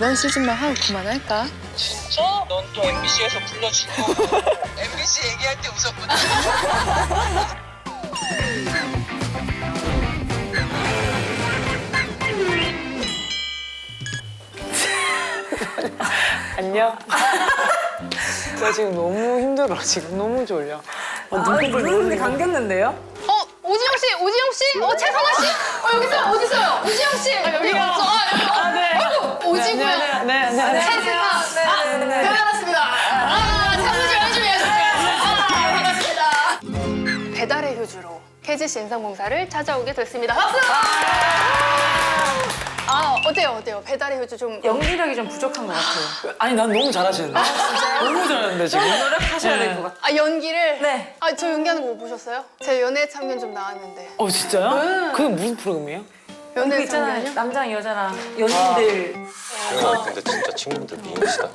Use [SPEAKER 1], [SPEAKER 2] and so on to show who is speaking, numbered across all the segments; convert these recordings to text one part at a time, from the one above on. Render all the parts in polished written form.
[SPEAKER 1] 이번 시즌만 하고 그만할까?
[SPEAKER 2] 진짜? 넌 또 MBC에서 불러주고 MBC 얘기할 때 웃었구나.
[SPEAKER 3] 안녕? 나 지금 너무 힘들어. 지금 너무 졸려.
[SPEAKER 4] 눈이 감겼는데요?
[SPEAKER 5] 오지영 씨, 최선아 씨? 여기 있어요. 어디 있어요? 오지영 씨. 여기요.
[SPEAKER 3] 네.
[SPEAKER 5] 아이고, 오지고요.
[SPEAKER 3] 네.
[SPEAKER 5] 최승아. 네. 반갑습니다. 사무실 열심히 하셨어요. 반갑습니다. 배달의 효주로 KGC 인삼공사를 찾아오게 됐습니다. 박수! 어때요? 배달의 효주 좀
[SPEAKER 4] 연기력이 좀 부족한 것 같아요.
[SPEAKER 3] 아니, 난 너무 잘하시는데. 너무 잘하는데, 지금.
[SPEAKER 4] 노력하셔야 될 것 같아요.
[SPEAKER 5] 연기를?
[SPEAKER 4] 네.
[SPEAKER 5] 저 연기하는 거 못 보셨어요? 제 연애 참견 좀 나왔는데.
[SPEAKER 3] 진짜요? 그게 무슨 프로그램이에요?
[SPEAKER 4] 연애
[SPEAKER 5] 연애
[SPEAKER 4] 있잖아요.
[SPEAKER 5] 참견이요?
[SPEAKER 4] 남자랑 여자랑 연인들.
[SPEAKER 6] 근데 진짜 친구들 미인이시다.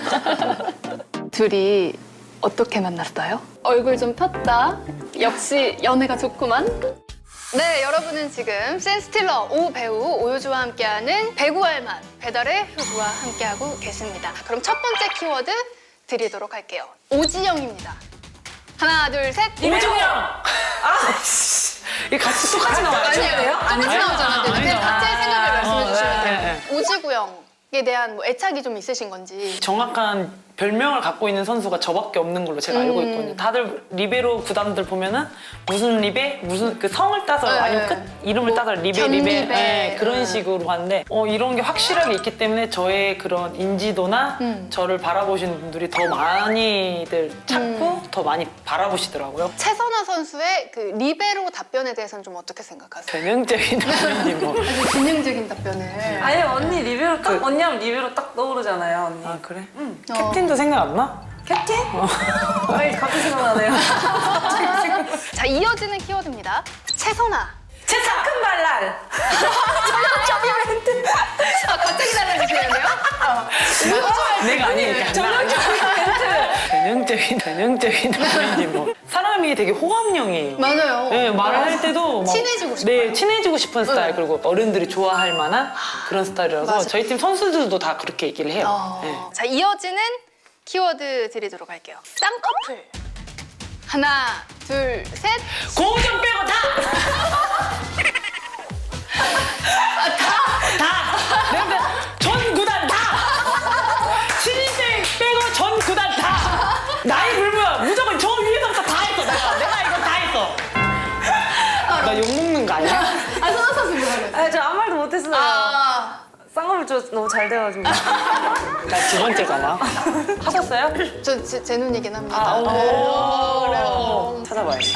[SPEAKER 5] 둘이 어떻게 만났어요? 얼굴 좀 폈다. 역시 연애가 좋구만. 네, 여러분은 지금 센스틸러 오 배우 오효주와 함께하는 배구할 맛 배달의 효주와 함께하고 계십니다. 그럼 첫 번째 키워드 드리도록 할게요. 오지영입니다. 하나, 둘, 셋.
[SPEAKER 3] 오지영! 이게 같이 똑같이 나와요.
[SPEAKER 5] 아니에요. 똑같이 나오잖아요. 그냥
[SPEAKER 3] 아니죠.
[SPEAKER 5] 각자의 생각을 말씀해 주시면 돼요.
[SPEAKER 3] 네.
[SPEAKER 5] 오지구영에 대한 뭐 애착이 좀 있으신 건지.
[SPEAKER 3] 정확한 별명을 갖고 있는 선수가 저밖에 없는 걸로 제가 알고 있거든요. 다들 리베로 구단들 보면은 무슨 리베, 무슨 그 성을 따서 아니면 끝 이름을 따서 리베,
[SPEAKER 5] 견리베.
[SPEAKER 3] 네, 그런 식으로 하는데 이런 게 확실하게 있기 때문에 저의 그런 인지도나 저를 바라보시는 분들이 더 많이들 찾고 더 많이 바라보시더라고요.
[SPEAKER 5] 최선화 선수의 그 리베로 답변에 대해서는 좀 어떻게 생각하세요?
[SPEAKER 3] 전형적인 답변이 뭐.
[SPEAKER 5] 전형적인 답변을.
[SPEAKER 4] 아니 언니 리뷰로 딱 언니 하면 리뷰로 딱 떠오르잖아요 언니.
[SPEAKER 3] 아 그래? 캡틴도 생각 안 나?
[SPEAKER 4] 캡틴? 아니 갑자기 생각나네요.
[SPEAKER 5] 자, 이어지는 키워드입니다. 최선화.
[SPEAKER 4] 큰 발랄.
[SPEAKER 5] 갑자기 달라지시는데요?
[SPEAKER 3] 내가 아니니까. 전형적인 답변이 뭐. 사람이 되게 호감형이에요.
[SPEAKER 5] 맞아요.
[SPEAKER 3] 네, 말을 할 때도 막
[SPEAKER 5] 친해지고 싶어요.
[SPEAKER 3] 네, 친해지고 싶은 스타일. 그리고 어른들이 좋아할 만한 그런 스타일이라서
[SPEAKER 5] 맞아요.
[SPEAKER 3] 저희 팀 선수들도 다 그렇게 얘기를 해요. 네.
[SPEAKER 5] 자, 이어지는 키워드 드리도록 할게요. 쌍꺼풀. 하나, 둘, 셋.
[SPEAKER 3] 고우정 빼고 다! 내가 전 구단 다! 신인생 빼고 전 구단 다! 나이 불문하 무조건 저 위에서부터 다 했어. 내가 이거 다 했어. 나 욕먹는 거 아니야?
[SPEAKER 5] 선화 선수 뭐하는
[SPEAKER 4] 아니 저 아무 말도 못했어요. 쌍꺼풀 저 너무 잘 돼가지고.
[SPEAKER 3] 나 두 번째잖아. 하셨어요?
[SPEAKER 5] 제 눈이긴 합니다.
[SPEAKER 3] 오.
[SPEAKER 5] 그래요.
[SPEAKER 3] 찾아봐야지.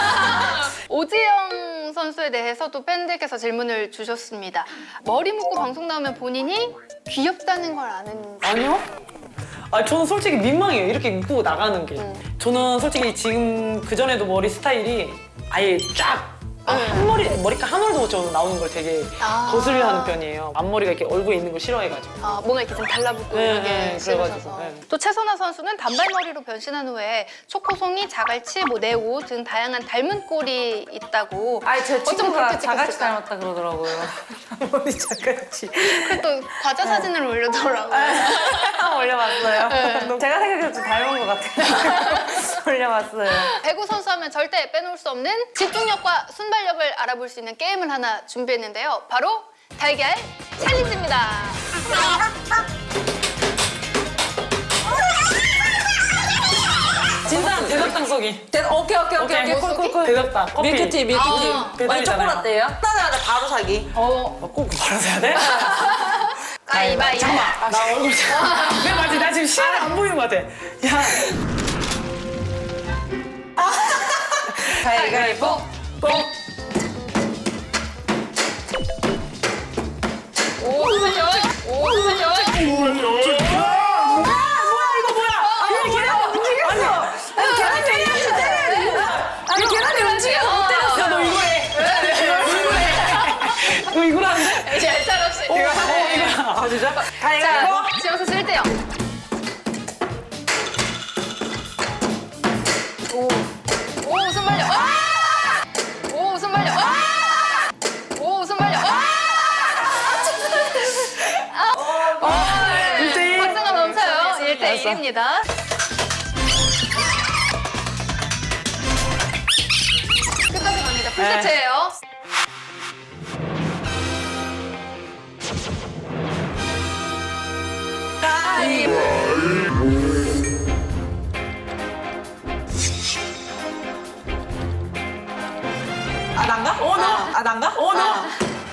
[SPEAKER 5] 오지영 선수에 대해서도 팬들께서 질문을 주셨습니다. 머리 묶고 방송 나오면 본인이 귀엽다는 걸 아는지.
[SPEAKER 3] 아니요? 저는 솔직히 민망해요. 이렇게 입고 나가는 게. 저는 솔직히 지금 그전에도 머리 스타일이 아예 쫙 머리카락 한 올도 못 저는 나오는 걸 되게 거슬려하는 편이에요. 앞머리가 이렇게 얼굴에 있는 걸 싫어해가지고.
[SPEAKER 5] 뭔가 이렇게 좀 달라붙고
[SPEAKER 3] 네,
[SPEAKER 5] 이런 게
[SPEAKER 3] 네,
[SPEAKER 5] 싫으셔서.
[SPEAKER 3] 그래가지고, 네.
[SPEAKER 5] 또 최선화 선수는 단발머리로 변신한 후에 초코송이, 자갈치, 네오 등 다양한 닮은 꼴이 있다고.
[SPEAKER 4] 아니 제
[SPEAKER 5] 어쩜
[SPEAKER 4] 친구가
[SPEAKER 5] 그렇게
[SPEAKER 4] 자갈치
[SPEAKER 5] 찍혔을까?
[SPEAKER 4] 닮았다 그러더라고요. 머리 자갈치.
[SPEAKER 5] 그리고 또 과자 사진을 올려더라고요.
[SPEAKER 4] 올려봤어요. 제가 생각해도 좀 닮은 것 같아요. 올려봤어요.
[SPEAKER 5] 배구 선수 하면 절대 빼놓을 수 없는 집중력과 순발력을 알아볼 수 있는 게임을 하나 준비했는데요. 바로 달걀 챌린지입니다.
[SPEAKER 3] 진짜 대답당 쏘기.
[SPEAKER 4] 오케이. 콜.
[SPEAKER 3] 대답당. 커피.
[SPEAKER 4] 밀크티.
[SPEAKER 3] 배달이잖아요.
[SPEAKER 4] 초콜릿대요? 하나 바로 사기.
[SPEAKER 3] 꼭 바로 사야 돼?
[SPEAKER 5] 가위바위보.
[SPEAKER 3] 잠깐만. 나 얼굴 내 맞지? 나 지금 시야가 안 보이는 것 같아. 야.
[SPEAKER 4] 가위바위보. 계란이 움직여 못 때렸어.
[SPEAKER 3] 야, 너 이거 해. 너 이걸 안 돼?
[SPEAKER 5] 얄짤없이.
[SPEAKER 3] 이거. 진짜?
[SPEAKER 5] 자, 지영 선수 1대요. 오, 순발력. 오, 순발력. 오, 순발력. 1입니다. 끝까지 갑니다. 풀세트예요.
[SPEAKER 4] 아 난가? 어 너? 아 난가? 어 너?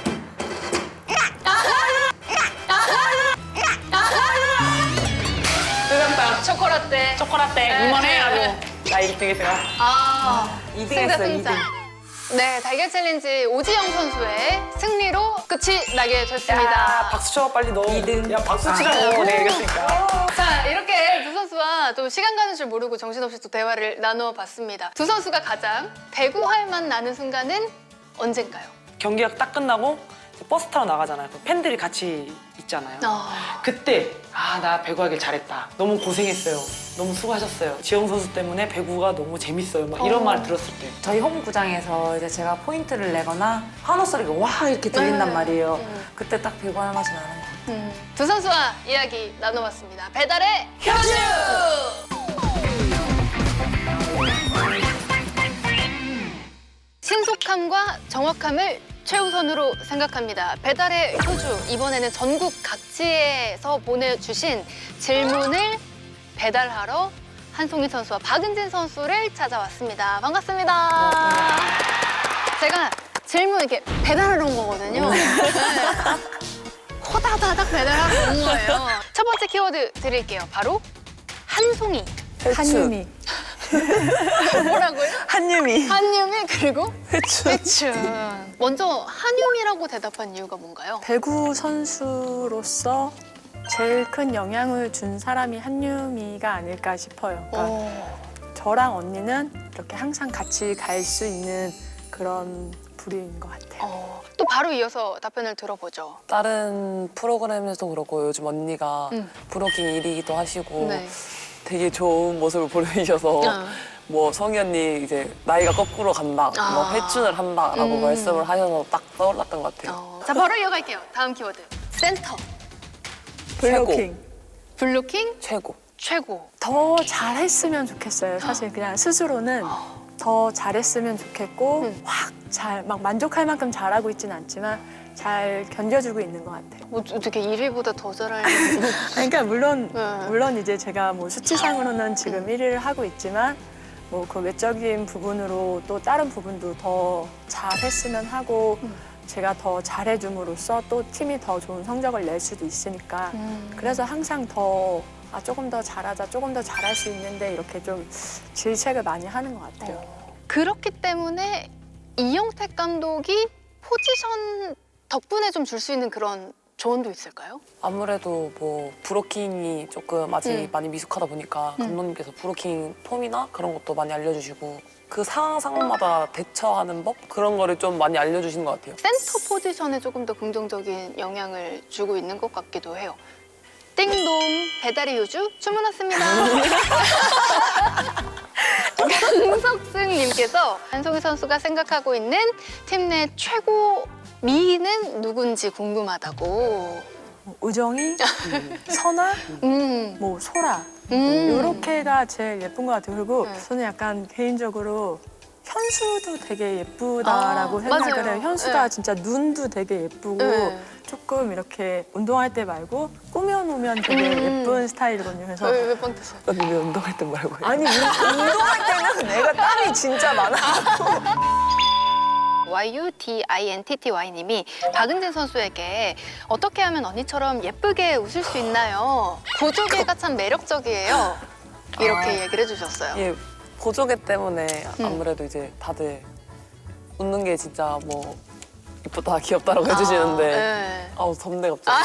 [SPEAKER 3] 뜨겁다.
[SPEAKER 5] 초코라떼.
[SPEAKER 3] 초코라떼 이만해 아주. 나 1등했어요.
[SPEAKER 5] 아,
[SPEAKER 4] 2등
[SPEAKER 5] 승자
[SPEAKER 4] 했어요,
[SPEAKER 5] 승자.
[SPEAKER 4] 2등.
[SPEAKER 5] 네, 달걀 챌린지 오지영 선수의 승리로 끝이 나게 됐습니다.
[SPEAKER 3] 박수 쳐 빨리 너.
[SPEAKER 4] 2등.
[SPEAKER 3] 야 박수 치라고 내가 이겼으니까.
[SPEAKER 5] 자, 이렇게 두 선수와 또 시간 가는 줄 모르고 정신없이 또 대화를 나누어 봤습니다. 두 선수가 가장 배구할 맛 나는 순간은 언젠가요?
[SPEAKER 3] 경기가 딱 끝나고 이제 버스 타러 나가잖아요. 그 팬들이 같이 있잖아요. 그때 나 배구하길 잘했다. 너무 고생했어요. 너무 수고하셨어요. 지영 선수 때문에 배구가 너무 재밌어요. 막 이런 말 들었을 때.
[SPEAKER 4] 저희 홈구장에서 이제 제가 포인트를 내거나 환호 소리가 와 이렇게 들린단 말이에요. 그때 딱 배구할 맛이 나는 거.
[SPEAKER 5] 두 선수와 이야기 나눠봤습니다. 배달의 효주! 신속함과 정확함을 최우선으로 생각합니다. 배달의 효주, 이번에는 전국 각지에서 보내주신 질문을 배달하러 한송이 선수와 박은진 선수를 찾아왔습니다. 반갑습니다. 제가 질문 이렇게 배달하러 온 거거든요. 네. 호다다닥 배달하러 온 거예요. 첫 번째 키워드 드릴게요. 바로 한송이.
[SPEAKER 4] 한유미.
[SPEAKER 5] 뭐라고요?
[SPEAKER 4] 한유미.
[SPEAKER 5] 한유미 그리고
[SPEAKER 4] 회춘.
[SPEAKER 5] 회춘. 먼저 한유미라고 대답한 이유가 뭔가요?
[SPEAKER 1] 배구 선수로서 제일 큰 영향을 준 사람이 한유미가 아닐까 싶어요. 그러니까 저랑 언니는 이렇게 항상 같이 갈 수 있는 그런 부류인 것 같아요.
[SPEAKER 5] 또 바로 이어서 답변을 들어보죠.
[SPEAKER 7] 다른 프로그램에서도 그렇고 요즘 언니가 브로킹 1위기도 하시고
[SPEAKER 5] 네.
[SPEAKER 7] 되게 좋은 모습을 보여주셔서 뭐 성희 언니 이제 나이가 거꾸로 간다, 뭐 회춘을 한다라고 말씀을 하셔서 딱 떠올랐던 것 같아요.
[SPEAKER 5] 자, 바로 이어갈게요. 다음 키워드. 센터.
[SPEAKER 1] 블로킹.
[SPEAKER 5] 블로킹
[SPEAKER 7] 최고.
[SPEAKER 5] 최고.
[SPEAKER 1] 더 잘했으면 좋겠어요. 사실 그냥 스스로는 더 잘했으면 좋겠고 확 잘 막 만족할 만큼 잘하고 있지는 않지만 잘 견뎌주고 있는 것 같아요.
[SPEAKER 5] 어떻게 1위보다 더 잘하려고.
[SPEAKER 1] 그러니까 물론
[SPEAKER 5] 네.
[SPEAKER 1] 이제 제가 뭐 수치상으로는 지금 1위를 하고 있지만 뭐 그 외적인 부분으로 또 다른 부분도 더 잘했으면 하고 제가 더 잘해줌으로써 또 팀이 더 좋은 성적을 낼 수도 있으니까 그래서 항상 더 조금 더 잘하자, 조금 더 잘할 수 있는데 이렇게 좀 질책을 많이 하는 것 같아요.
[SPEAKER 5] 그렇기 때문에 이영택 감독이 포지션 덕분에 좀 줄 수 있는 그런 조언도 있을까요?
[SPEAKER 7] 아무래도 뭐 브로킹이 조금 아직 많이 미숙하다 보니까 감독님께서 브로킹 폼이나 그런 것도 많이 알려주시고 그 상황마다 대처하는 법 그런 거를 좀 많이 알려주시는 것 같아요.
[SPEAKER 5] 센터 포지션에 조금 더 긍정적인 영향을 주고 있는 것 같기도 해요. 띵동 배달의 효주 주문 왔습니다. 강석승님께서 한송이 선수가 생각하고 있는 팀 내 최고 미는 누군지 궁금하다고.
[SPEAKER 1] 우정이, 선아, 뭐 소라 이렇게가 제일 예쁜 것 같아요. 그리고 저는 약간 개인적으로 현수도 되게 예쁘다라고 생각을
[SPEAKER 5] 맞아요.
[SPEAKER 1] 해요. 현수가
[SPEAKER 5] 네.
[SPEAKER 1] 진짜 눈도 되게 예쁘고
[SPEAKER 5] 네.
[SPEAKER 1] 조금 이렇게 운동할 때 말고 꾸며놓으면 되게 예쁜 스타일이거든요. 그래서
[SPEAKER 5] 왜빵 드세요?
[SPEAKER 7] 언니 왜 운동할 땐 말고 해요?
[SPEAKER 4] 아니 운동할 때는 내가 땀이 진짜 많아.
[SPEAKER 5] YUDINTTY님이 박은진 선수에게 어떻게 하면 언니처럼 예쁘게 웃을 수 있나요? 보조개가 참 매력적이에요. 이렇게 얘기를 해주셨어요.
[SPEAKER 7] 예, 보조개 때문에 아무래도 이제 다들 웃는 게 진짜 뭐 이쁘다, 귀엽다라고 해주시는데
[SPEAKER 5] 네.
[SPEAKER 7] 아우 덥네 갑자기.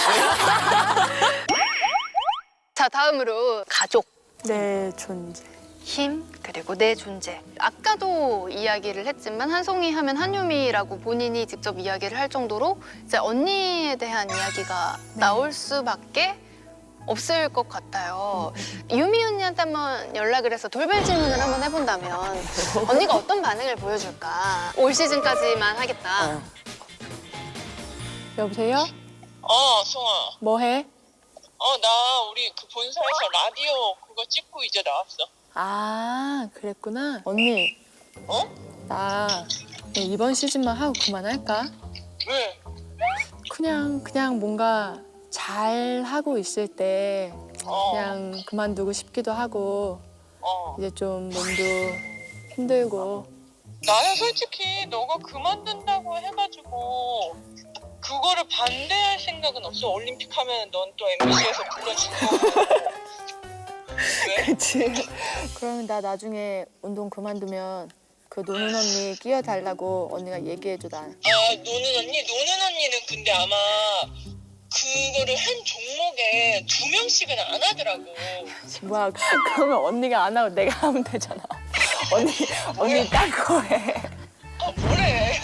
[SPEAKER 5] 자, 다음으로 가족.
[SPEAKER 1] 내 존재.
[SPEAKER 5] 힘 그리고 내 존재. 아까도 이야기를 했지만 한송이 하면 한유미라고 본인이 직접 이야기를 할 정도로 이제 언니에 대한 이야기가 나올 수밖에 없을 것 같아요. 유미 언니한테 한번 연락을 해서 돌발 질문을 한번 해본다면 언니가 어떤 반응을 보여줄까? 올 시즌까지만 하겠다.
[SPEAKER 1] 여보세요?
[SPEAKER 2] 송아.
[SPEAKER 1] 뭐 해?
[SPEAKER 2] 나 우리 그 본사에서 라디오 그거 찍고 이제 나왔어.
[SPEAKER 1] 아, 그랬구나. 언니,
[SPEAKER 2] 어?
[SPEAKER 1] 나 이번 시즌만 하고 그만할까?
[SPEAKER 2] 왜?
[SPEAKER 1] 그냥 뭔가 잘 하고 있을 때 그냥 그만두고 싶기도 하고 이제 좀 몸도 힘들고.
[SPEAKER 2] 나는 솔직히 너가 그만둔다고 해가지고 그거를 반대할 생각은 없어. 올림픽 하면 넌 또 MBC에서 불러줄 거고. 왜?
[SPEAKER 1] 그치. 그러면 나 나중에 운동 그만두면 그 노는 언니 끼워달라고 언니가 얘기해줘, 나.
[SPEAKER 2] 노는 언니? 노는 언니는 근데 아마 그거를 한 종목에 2명씩은 안 하더라고.
[SPEAKER 1] 뭐야, 그러면 언니가 안 하고 내가 하면 되잖아. 언니 딴 거 해.
[SPEAKER 2] 뭐래?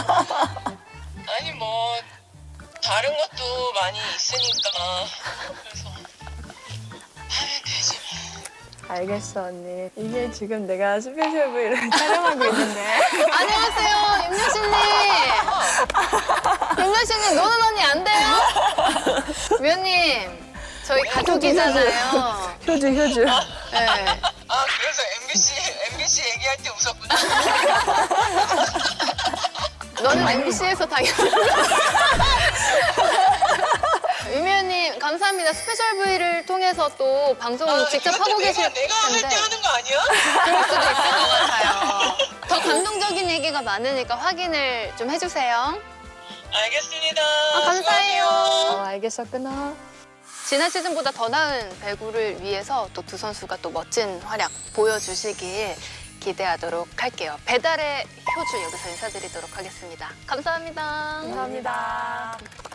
[SPEAKER 2] 아니 뭐 다른 것도 많이 있으니까 그래서 하면 되지.
[SPEAKER 1] 알겠어, 언니. 이게 지금 내가 스페셜 V를 촬영하고 있는데.
[SPEAKER 5] 안녕하세요, 윤여신님. 윤여신님, 노는 언니 안 돼요? 위원님, 저희 가족이잖아요.
[SPEAKER 1] 효주.
[SPEAKER 5] 네.
[SPEAKER 2] 그래서 MBC 얘기할 때 웃었구나.
[SPEAKER 5] 너는 MBC에서 당연히. 유미연님 감사합니다. 스페셜 V를 통해서 또 방송을 직접 하고 계실
[SPEAKER 2] 내가 할 때
[SPEAKER 5] 텐데
[SPEAKER 2] 하는 거 아니야?
[SPEAKER 5] 그럴 수도 있을 것 같아요. 더 감동적인 얘기가 많으니까 확인을 좀 해주세요.
[SPEAKER 2] 알겠습니다.
[SPEAKER 5] 감사해요.
[SPEAKER 1] 알겠어, 끊어.
[SPEAKER 5] 지난 시즌보다 더 나은 배구를 위해서 또 두 선수가 또 멋진 활약 보여주시길 기대하도록 할게요. 배달의 효주 여기서 인사드리도록 하겠습니다. 감사합니다.
[SPEAKER 1] 감사합니다.